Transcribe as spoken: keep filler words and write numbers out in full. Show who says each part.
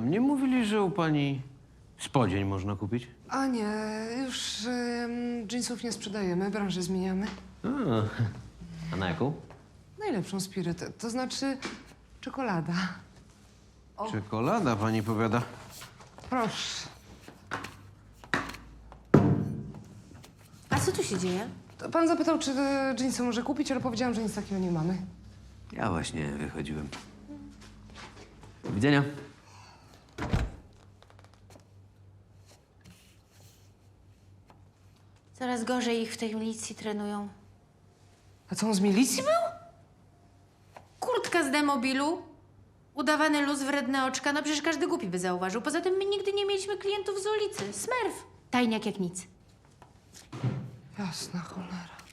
Speaker 1: Nie mówili, że u pani spodzień można kupić?
Speaker 2: A nie, już ym, jeansów nie sprzedajemy, branżę zmieniamy.
Speaker 1: A, a na jaką?
Speaker 2: Najlepszą spirytę, to znaczy czekolada.
Speaker 1: Czekolada, pani powiada.
Speaker 2: Proszę.
Speaker 3: A co tu się dzieje?
Speaker 2: To pan zapytał, czy te jeansy może kupić, ale powiedziałam, że nic takiego nie mamy.
Speaker 1: Ja właśnie wychodziłem. Do widzenia.
Speaker 3: Coraz gorzej ich w tej milicji trenują.
Speaker 2: A co, on z milicji był?
Speaker 3: Kurtka z demobilu, udawany luz, wredne oczka, no przecież każdy głupi by zauważył. Poza tym my nigdy nie mieliśmy klientów z ulicy. Smerf. Tajniak jak nic.
Speaker 2: Jasna cholera.